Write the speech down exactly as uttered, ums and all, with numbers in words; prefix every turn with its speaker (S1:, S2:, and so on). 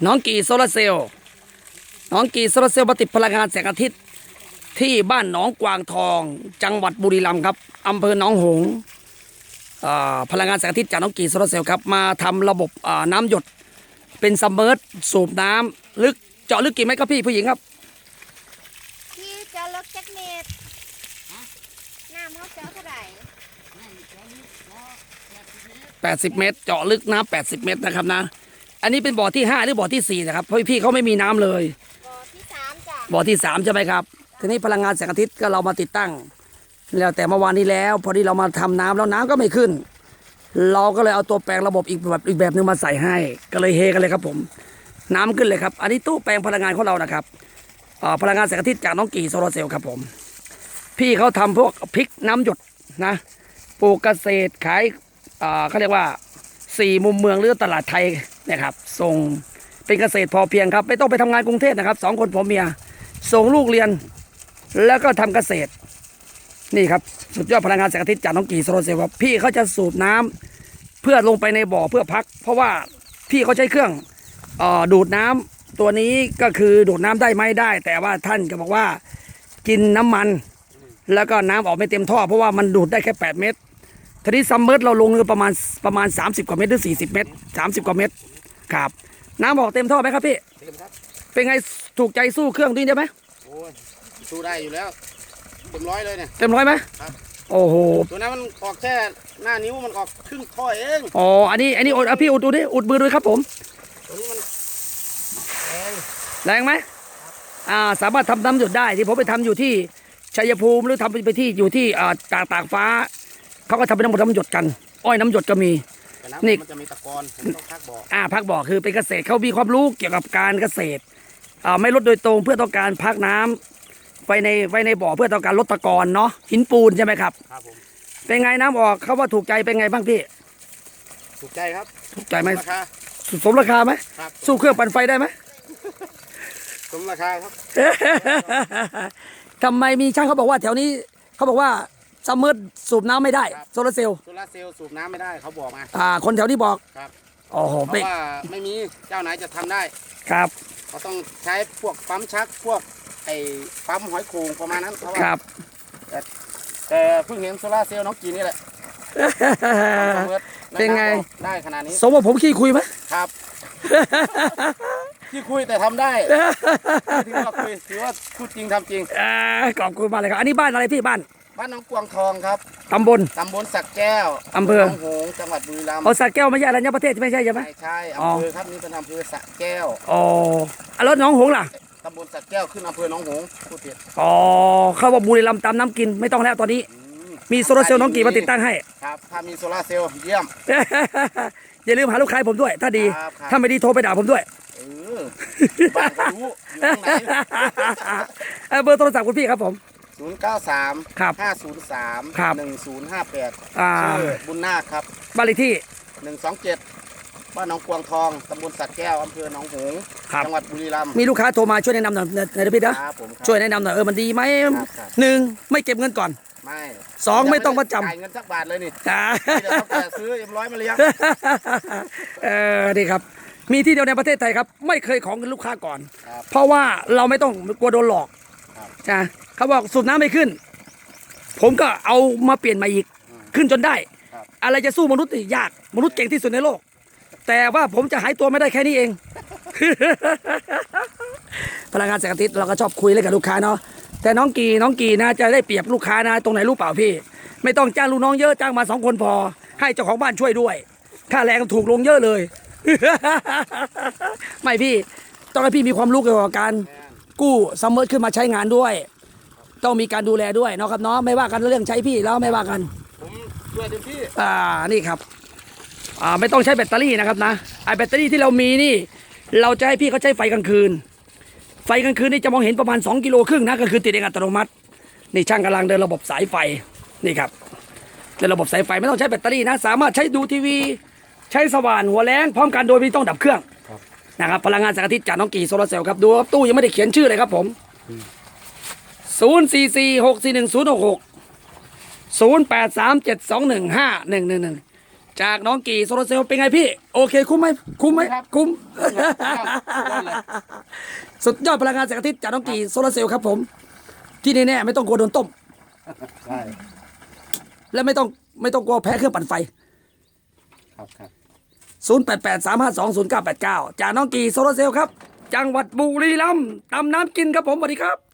S1: น้องกีโซลาเซลล์น้องกีโซลาเซลล์มาติดพลังงานแสงอาทิตย์ที่บ้านหนองกวางทองจังหวัดบุรีรัมย์ครับอำเภอหนองหงส์พลังงานแสงอาทิตย์จากน้องกีโซลาเซลล์ครับมาทำระบบน้ำหยดเป็นซัมเมอร์สูบน้ำลึกเจาะลึกกี่เมตรครับพี่ผู้หญิงครับ
S2: พี่เจาะลึกจักเมตรน้ำเขาเจาะเท่าไหร่
S1: แปดสิบเมตรเจาะลึกน้ำแปดสิบเมตรนะครับนะอันนี้เป็นบ่อที่ห้าหรือบ่อที่สี่นะครับเพราะพี่เขาไม่มีน้ำเลย
S2: บ่อที่สามจ้ะ
S1: บ่อที่สามใช่ไหมครับทีนี้พลังงานแสงอาทิตย์ก็เรามาติดตั้งแล้วแต่เมื่อวานนี้แล้วพอดีเรามาทำน้ำแล้วน้ำก็ไม่ขึ้นเราก็เลยเอาตัวแปลงระบบอีกแบบอีกแบบนึงมาใส่ให้ก็เลยเฮกันเลยครับผมน้ำขึ้นเลยครับอันนี้ตู้แปลงพลังงานของเรานะครับพลังงานแสงอาทิตย์จากน้องกีโซลาเซลล์ครับผมพี่เขาทำพวกพริกน้ำหยดนะปลูกเกษตรขายเขาเรียกว่าสี่มุมเมืองหรือตลาดไทยนะครับส่งเป็นเกษตรพอเพียงครับไม่ต้องไปทำงานกรุงเทพนะครับสองคนผัวเมียส่งลูกเรียนแล้วก็ทำเกษตรนี่ครับสุดยอดพลังงานแสงอาทิตย์จากน้องกีโซลาเซลล์ครับพี่เขาจะสูบน้ำเพื่อลงไปในบ่อเพื่อพักเพราะว่าพี่เขาใช้เครื่องอดูดน้ำตัวนี้ก็คือดูดน้ำได้ไม่ได้แต่ว่าท่านก็บอกว่ากินน้ำมันแล้วก็น้ำออกไม่เต็มท่อเพราะว่ามันดูดได้แค่แปดเมตรทีนี้ซัมเมอร์เราลงประมาณประมาณสามสิบกว่าเมตรหรือสี่สิบเมตรสามสิบกว่าเมตรครับน้ำออกเต็มท่อไหมครับพี่เต็มครับเป็นไงถูกใจสู้เครื่องนี้ได้ไหม
S3: โอ้ยสู้ได้อยู่แล้วเต็มร้อยเลยเนี่ย
S1: เต็มร้อยไหมครับโอ้โห
S3: ตัวนั้นมันออกแค่หน้านิ้วมันออกครึ่งท่อเอง
S1: อ๋ออันนี้อันนี้อุดพี่อุดดูดิอุดมือด้วยครับผม
S3: ตัวนี้มันแรง
S1: แรงไหมอ่าสามารถทำน้ำหยดได้ที่ผมไปทำอยู่ที่ชัยภูมิหรือทำไปที่อยู่ที่อ่าตากตากฟ้าเขาก็ทำเป็นน้ำน้ำหยดกันอ้อยน้ำหยดก็มี
S3: นี่มันจะมีตะกอนต้องพักบ่อ
S1: อ่าพักบ่อคือเป็นเกษตรเขามีความรู้เกี่ยวกับการเกษตรอ่าไม่ลดโดยตรงเพื่อต้องการพักน้ำไว้ในไว้ในบ่อเพื่อต้องการลดตะกอนเนาะหินปูนใช่ไหมครับ
S3: ครับผม
S1: เป็นไงน้ำออกเขาว่าถูกใจเป็นไงบ้างพี่
S3: ถูกใจครับ
S1: ถูกใจไหม
S3: ราคา
S1: สมราคาไหมสู้เครื่องปั่นไฟได้ไหม
S3: สมราคาครับ
S1: ทำไมมีช่างเขาบอกว่าแถวนี้เขาบอกว่าซัมเมอร์สูบน้ำไม่ได้โซลาเซลล์
S3: โซลาเซลล์สูบน้ำไม่ได้เขาบอกมา
S1: อ่าคนแถวนี้บอก
S3: ครับ
S1: โอ้โห
S3: เพราะว่าไม่มีเจ้าไหนจะทำได้
S1: ครับ
S3: เขาต้องใช้พวกปั๊มชักพวกไอ้ปั๊มหอยโขงประมาณนั้นเพราะว่าแต่แต่เพิ่งเห็นโซลาเซลล์น้องกีนี่แหละ
S1: เป็นไง
S3: ได้ขนาดนี้
S1: สมมติผมขี้คุยไหม
S3: ครับขี้คุยแต่ทำได้ถือว่าคุยถือว่าพูดจริงทำจริง
S1: ขอบคุณมากเลยครับอันนี้บ้านอะไรพี่บ้าน
S3: บ้านน้องกวางทองครับ
S1: ตำบล
S3: ตำบลสักแก้ว
S1: อำเภอ
S3: หนองหงส์จังหวัดบุรีรัมย์
S1: อ๋อสักแก้วไม่ใช่อรัญญประเทศไม่ใช่ใช่ไหม
S3: ใช่ใช่อำเภอครับนี่เป็นอำเภอสักแก้ว
S1: อ๋อแล้วหนองหงส์ล่ะ
S3: ตำบลสักแก้วขึ้นอำเภอหนองหงส์พูดผิด
S1: อ๋อเขาบอกบุรีรัมย์ตามน้ำกินไม่ต้องแล้วตอนนี้มีโซลาเซลล์น้องกี่มาติดตั้งให้
S3: ครับถ้ามีโซลาเซลล์เยี่ยม
S1: อย่าลืมหาลูกค้าผมด้วยถ้าดีถ้าไม่ดีโทรไปด่าผมด้วย
S3: เออบ้านเขารู้อยู่ตรงไหน
S1: เบอร์โทรศัพท์คุณพี่ครับผม
S3: ศูนย์เก้าสาม
S1: ครับ
S3: ห้าศูนย์สามหนึ่งศูนย์ห้าแปดชื่อบุญนาคครับ
S1: บ้านเลขที่
S3: หนึ่งสองเจ็ดบ้านหนองกวางทองตำบลสัตว์แก้วอำเภอหนองหงส์จังหวัดบุรีรัมย์
S1: มีลูกค้าโทรมาช่วยแนะนำหน่อยนะพี่นะช่วยแนะนำหน่อยเออมันดีไหมหนึ่งไม่เก็บเงินก่อน
S3: ไม่
S1: สองไม่ต้องประจำ
S3: จ่ายเงินสักบาทเลยนี่
S1: จ้า
S3: เดี๋ยวเขาจะซื้อเอ็มร้อยมาเลี้ยง
S1: เออดีครับมีที่เดียวในประเทศไทยครับไม่เคยของเงินลูกค้าก่อนเพราะว่าเราไม่ต้องกลัวโดนหลอกจ้าเขาบอกสูบน้ำไม่ขึ้นผมก็เอามาเปลี่ยนมาอีกขึ้นจนได้อะไรจะสู้มนุษย์ยากมนุษย์เก่งที่สุดในโลกแต่ว่าผมจะหายตัวไม่ได้แค่นี้เองพลังงานแสงอาทิตย์เราก็ชอบคุยเล่นกับลูกค้าเนาะแต่น้องกีน้องกีนะจะได้เปรียบลูกค้านะตรงไหนรู้เปล่าพี่ไม่ต้องจ้างลูกน้องเยอะจ้างมาสองคนพอให้เจ้าของบ้านช่วยด้วยค่าแรงถูกลงเยอะเลยไม่พี่ต้องให้พี่มีความรู้เกี่ยวกับการกู้ซัมเมอร์ขึ้นมาใช้งานด้วยต้องมีการดูแลด้วยเนาะครับเนาะไม่ว่ากันเรื่องใช้พี่แล้วไม่ว่ากัน
S3: ผมช่วยเต็มที่
S1: อ่านี่ครับอ่าไม่ต้องใช้แบตเตอรี่นะครับนะไอแบตเตอรี่ที่เรามีนี่เราจะให้พี่เขาใช้ไฟกลางคืนไฟกลางคืนนี่จะมองเห็นประมาณสองกิโลครึ่งนะก็คือติดเองอัตโนมัตินี่ช่างกำลังเดินระบบสายไฟนี่ครับเดินระบบสายไฟไม่ต้องใช้แบตเตอรี่นะสามารถใช้ดูทีวีใช้สว่านหัวแรงพร้อมกันโดยไม่ต้องดับเครื่องนะครับพลังงานแสงอาทิตย์จากน้องกีโซลาเซลล์ครับดูตู้ยังไม่ได้เขียนชื่อเลยครับผมศูนย์สี่สี่หกสี่หนึ่งศูนย์หกหกศูนย์แปดสามเจ็ดสองหนึ่งห้าหนึ่งหนึ่งหนึ่งจากน้องกี่โซลาร์เซลล์เป็นไงพี่ โอเคคุ้มไหมคุ้มไหมคุ้ม สุดยอดพลังงานแสงอาทิตย์จากน้องกี่โซลาร์เซลล์ครับผม ที่แน่ๆไม่ต้องกลัวโดนต้ม
S3: ใช่
S1: และไม่ต้องไม่ต้องกลัวแพ้เครื่องปั่นไฟ
S3: ครับครับ
S1: ศูนย์ แปด แปด สาม ห้า สอง ศูนย์ เก้า แปด เก้า จากน้องกี่โซลาร์เซลล์ครับ จังหวัดบุรีรัมย์ตำน้ำกินครับผมสวัสดีครับ